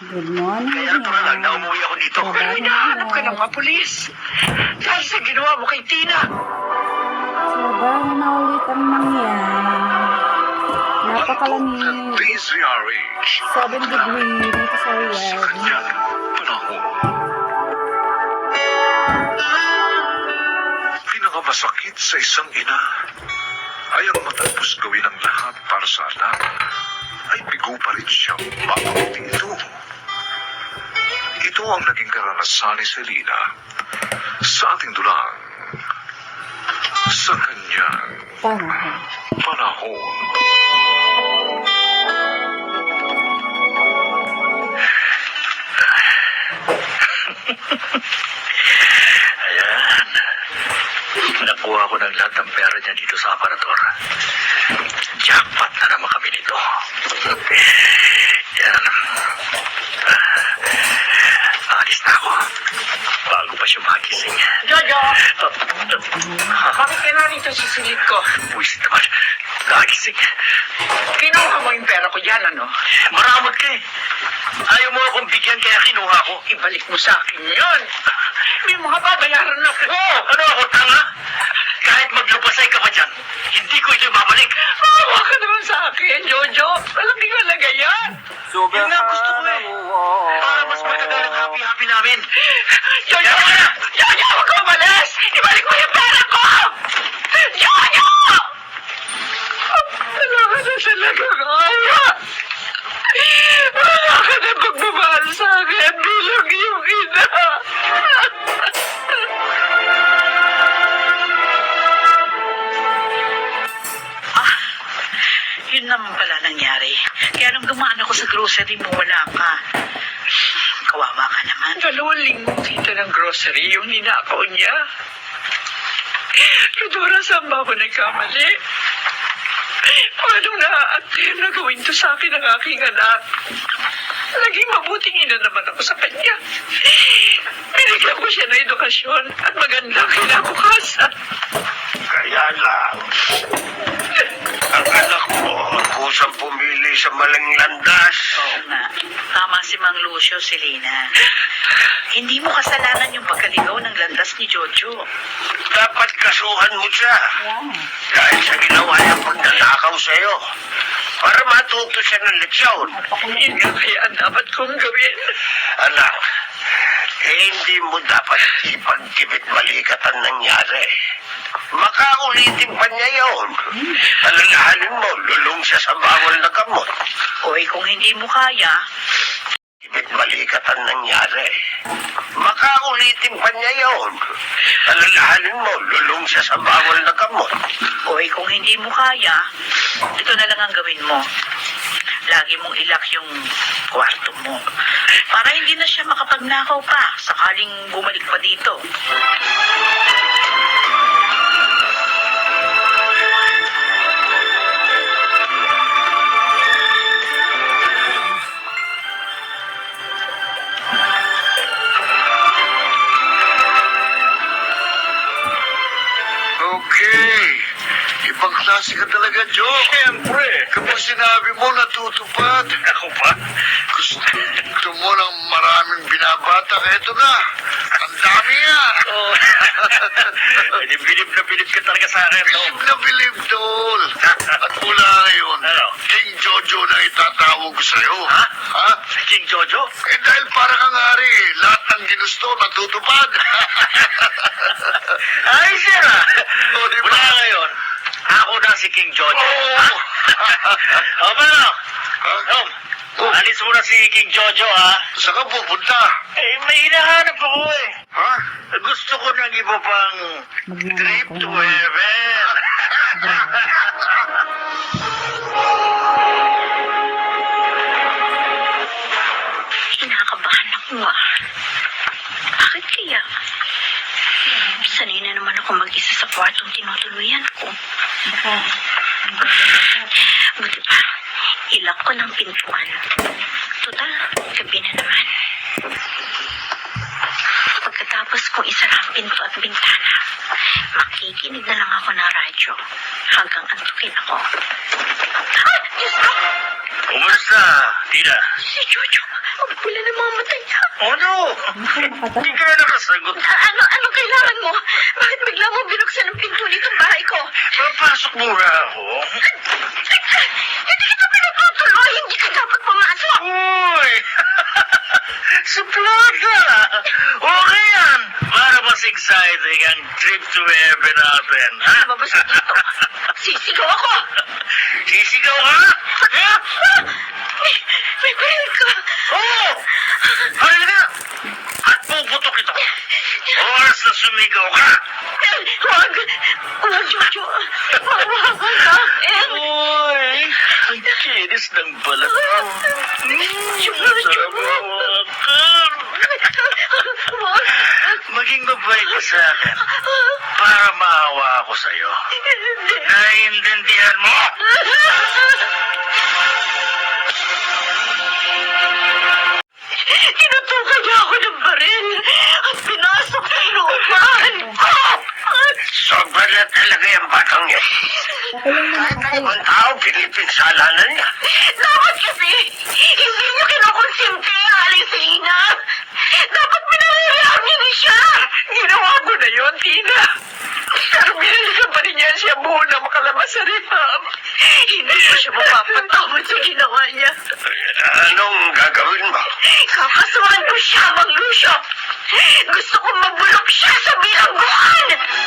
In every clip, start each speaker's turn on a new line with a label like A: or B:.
A: Good morning.
B: Kaya pa lang na umuwi ako dito.
A: Trabaho
B: Pero hinahanap ka
A: na.
B: ng mga pulis. Dahil sa ginawa mo kay Tina.
A: Trabaho na ulit ang mangyan. Napakalamig.
C: DZRH
A: 7 degree dito sa Riyadh.
C: kanyang panahon. Pinakamasakit sa isang ina ay ang matapos gawin ang lahat para sa anak ay bigo pa rin siyang makamiti ito. Ito ang naging karanasan ni Selena sa ating dulang sa kanyang
A: Panahon.
C: panahon.
B: Ayan. Nakuha ko ng lahat ng pera niya dito sa aparador. Jackpot na naman kami nito. Yan. Alis na ako. Bago pa siya makising.
D: Jojo! Bakit ka narito sa silid ko?
B: Buwisit naman. Nakakising.
D: Kinuha mo yung pera ko dyan, ano?
B: Maramot ka eh. Ayaw mo akong bigyan kaya kinuha ko.
D: Ibalik mo sa akin yun. May mga babayaran na ko.
B: Ano ako, tanga? Kahit maglupasay ka pa dyan, hindi ko ito babalik.
D: Maawa ka naman sa akin, Jojo. Alam di ko talaga yan.
B: Yun nga gusto ko eh. Para mas matagal ang happy-happy namin.
D: Jojo! Jojo, huwag ka umalis! Ibalik mo yung pera ko! Jojo! Wala ka na talaga kaya. Wala ka na pagmamahal sa akin bilang iyong ina.
E: Yun naman pala nangyari. Kaya nung dumaan ako sa grocery mo, wala ka. Kawawa ka naman.
D: 2 linggo kita ng grocery yung ninakaw niya. Rodora, saan ba ako nagkamali? Paano na-attempt na gawin to sa akin ng aking anak? Naging mabuting ina naman ako sa kanya. Binigyan ko siya ng edukasyon at magandang kinabukasan.
B: Kaya lang, ang anak mo kusang pumili sa maling landas.
E: Oo nga. Tama si Mang Lucio, Selena. Hindi mo kasalanan yung pagkaligaw ng landas ni Jojo.
B: Dapat kasuhan mo siya.
A: Wow.
B: Dahil sa ginawa niyang pagnanakaw sa'yo. Para matuto siya ng leksyon.
D: Yun nga kaya ang dapat kong gawin.
B: Anak, hindi mo dapat ipagkibit balikat ang nangyari. Makaulitin pa niya yun. Alalahanin mo, lulong siya sa bawal na gamot.
E: Oy, kung hindi mo kaya,
B: Ibit balikat ang nangyari. Makaulitin pa niya yun. Alalahanin mo, lulong siya sa bawal na gamot.
E: oy, kung hindi mo kaya, ito na lang ang gawin mo. Lagi mong ilak yung kwarto mo. Para hindi na siya makapagnakaw pa sakaling bumalik pa dito.
B: Okay. Ibang klase ka talaga, Joe. Siyempre. Kapag sinabi mo, natutupad. Ako pa? Gusto mo ng maraming binabata. Eto na. Ang dami nga. Oh. Bilib na bilib ka talaga sa akin, Tom. Bilib na bilib, Tol. At mula ngayon, King Jojo na itatawag ko sa'yo. Ha? Ha? King Jojo? Eh dahil para kang hari, lahat ng ginusto natutupad. Ay, siya. O, di ba? Mula ngayon, ako na si King Jojo. Ha? O, paano? Tom, alis mo na si King Jojo, ha? Saan ka pupunta? Eh, may hinahanap ako eh. Ha? Gusto ko ng iba pang trip to heaven.
E: Kinakabahan ako ah. Bakit kaya? Sanay na naman ako mag-isa sa kwartong tinutuluyan ko. Buti pa, ilak ko ng pintuan. Total, gabi na naman. Pagkatapos Pagkatapos kong isara ang pinto at bintana, makikinig na lang ako ng radyo hanggang antukin ako. Ah! Diyos ko!
B: Kumusta, Tina?
E: Si Jojo! Ang pula ng mga mata niya.
B: Oh no!
A: Nakakatawa.
B: Hindi ka na nakasagot.
E: Ano kailangan mo? Bakit bigla mo binuksan ang pinto nitong bahay ko?
B: Papasok muna ako.
E: Hindi kita pinatutuloy! Hindi ka dapat pumasok!
B: Uy! Suplada! Okay yan! Para mas exciting ang trip to heaven natin, ha?
E: Lumabas ka dito. Sisigaw ako!
B: Sisigaw ka? Ha?
E: May baril ka!
B: Oo! Halika! At puputok ito. Oras na sumigaw ka.
E: Huwag! Huwag, Jojo! Mawawan ka!
B: Uy! Ang kinis ng balat mo.
E: Jojo! Huwag!
B: Maging mabait ka sa akin para maawa ako sa'yo. Naiintindihan mo?
E: Tinutukan niya ako ng baril at pinasok sa inuupahan ko!
B: Sobrang na talaga yung batang niya.
A: Pakulong mo na
B: Kahit
A: ako.
B: ibang tao, pinipinsalanan niya.
E: Dapat kasi hindi niyo kinukonsente, Alisina! Dapat pinahihiyaan niyo ni siya!
D: Ginawa ko na yun, Tina. Pero binalikan pa rin niya siya muna makalabas sa rehab.
E: Hindi ko siya mapapatawad sa ginawa niya.
B: Anong gagawin mo?
E: Kakasuhan ko siya, Mang Lucio! Gusto kong mabulok siya sa bilangguan!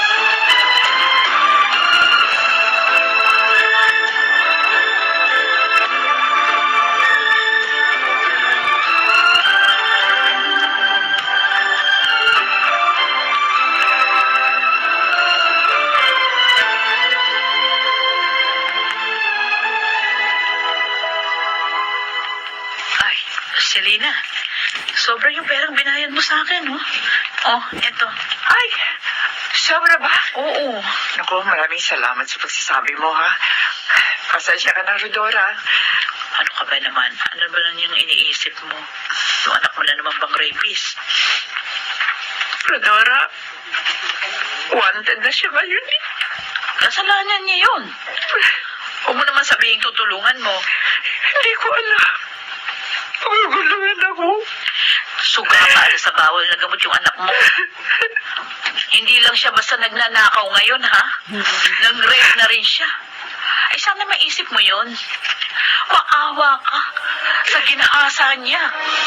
E: Ay, Selena, sobra yung perang binayad mo sa akin, no? Oh, eto.
D: Ay, sobra ba?
E: Oo.
D: Naku, maraming salamat sa pagsasabi mo, ha? Pasensya ka na, Rodora.
E: Ano ka ba naman? Ano ba lang yung iniisip mo? Yung anak mo na naman bang rapist?
D: Rodora, wanted na siya ngayon, eh.
E: Kasalanan niya yun. Huwag mo naman sabihin tutulungan mo.
D: Hindi ko alam. Naguguluhan ako.
E: Suga ka sa bawal na gamot yung anak mo. Hindi lang siya basta nagnanakaw ngayon, ha? Nang-rape na rin siya. Ay, sana maisip mo yun. Maawa ka sa ginaasa niya.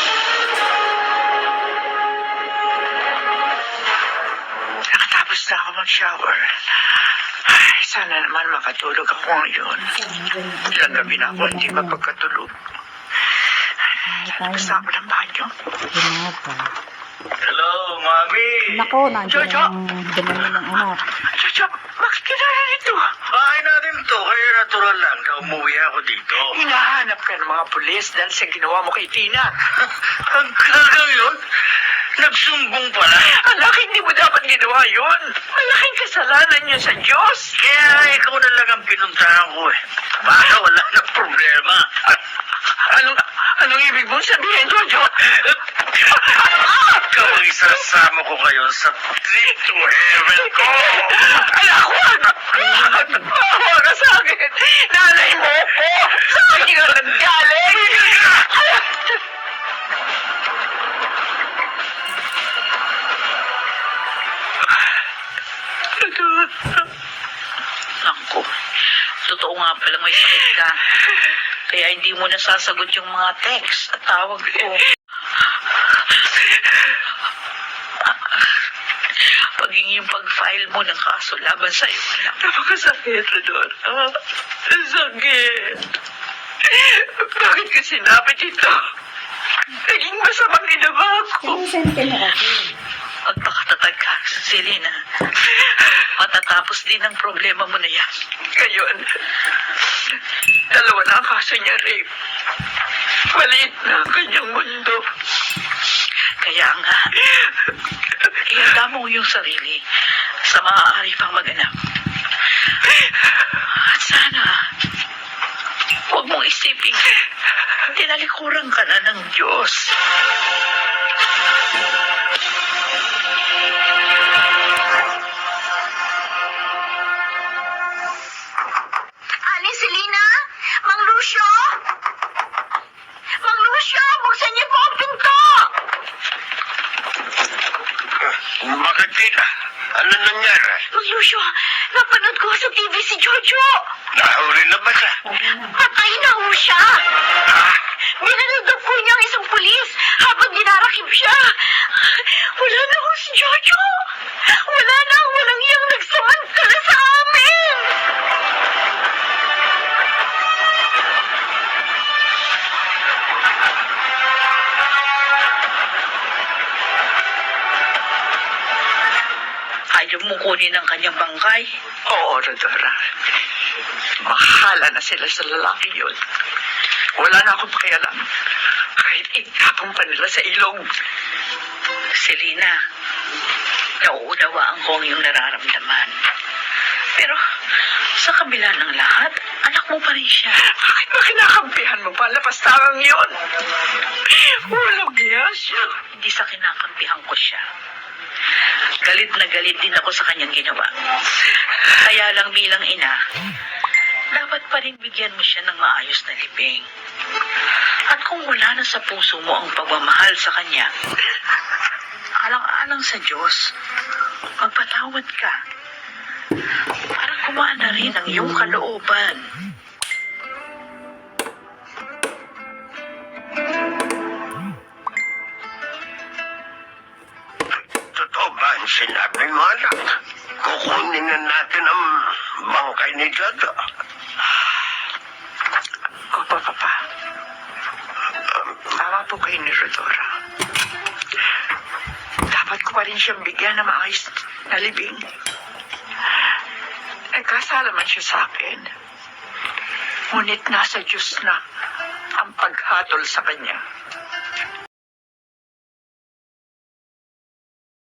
D: Nakatapos na ako mag-shower. Ay, sana naman makatulog ako ngayon. Ilang gabi na ako hindi mapagkatulog. Tapos na ako ng banyo.
A: Ginapa.
B: Hello, Mami.
A: Nako, nandiyan
D: Jojo!
A: ang dumami ng anak.
D: Chacha, bakit kinala nito?
B: Bahay natin to, kaya natural lang na umuwi ako dito.
D: Hinahanap ka ng mga pulis dahil sa ginawa mo kay Tina.
B: Hanggang yun, nagsumbong pala.
D: Anak, hindi mo dapat ginawa yun. Malaking kasalanan niya sa Diyos.
B: Kaya ikaw na lang ang pinuntahan ko eh. Para wala na problema.
D: Anong ibig mong sabihin, Jojo?
B: Ikaw ang isasama ko ngayon sa trip to heaven ko.
D: Anak, huwag! Huwag ka sa akin! Nanay mo po! Sa akin ang nanggaling!
E: Naku, totoo nga palang may sakit ka. Kaya hindi mo nasasagot yung mga text at tawag ko. Paging yung pag-file mo ng kaso laban sa'yo, anak.
D: Napakasakit, Rodora. Sakit. Bakit ka sinapit ito? Naging masamang ginawa ko.
A: Sinusend ka na ako.
E: Magpakatatag ka, Selena. Matatapos din ang problema mo na yan.
D: Ngayon, dalawa na ang kaso niya, rape. Maliit na ang kanyang mundo.
E: Kaya nga, ihanda mo yung sarili sa maaari pang maganap. At sana, huwag mong isipin, tinalikuran ka na ng Diyos.
B: Bakit Tina? Ano nangyari?
F: Mang Lucio, napanood ko sa TV si Jojo.
B: Nahuli na ba siya?
F: Patay na ho siya. Binanagdag po niya ang isang pulis habang dinarakip siya. Wala na ho si Jojo. Wala na ang walang iyang nagsamantala sa amin.
E: Ayaw mo kunin ang kanyang bangkay?
D: Oo, Rodora. Bahala na sila sa lalaki yun. Wala na akong pakialam. Kahit itapong pa nila sa ilog.
E: Selena, nauunawaan ko ang iyong nararamdaman. Pero sa kabila ng lahat, anak mo pa rin siya.
D: Bakit ba kinakampihan mo pa? Lapastangang yun. Walang niya siya.
E: Hindi sa kinakampihan ko siya. Galit na galit din ako sa kanyang ginawa. Kaya lang bilang ina, dapat pa rin bigyan mo siya ng maayos na libing. At kung wala na sa puso mo ang pagmamahal sa kanya, alang-alang sa Diyos, magpatawad ka. Para kumaan na rin ang iyong kalooban.
B: Totoo ba ang sinabi mo, anak? Kukunin na natin ang bangkay ni Jojo.
D: Opo, Papa. Tama po kayo ni Rodora. Dapat ko pa rin siyang bigyan ng maayos na libing. Nagkasala man siya sa akin. Ngunit nasa Diyos na ang paghatol sa kanya.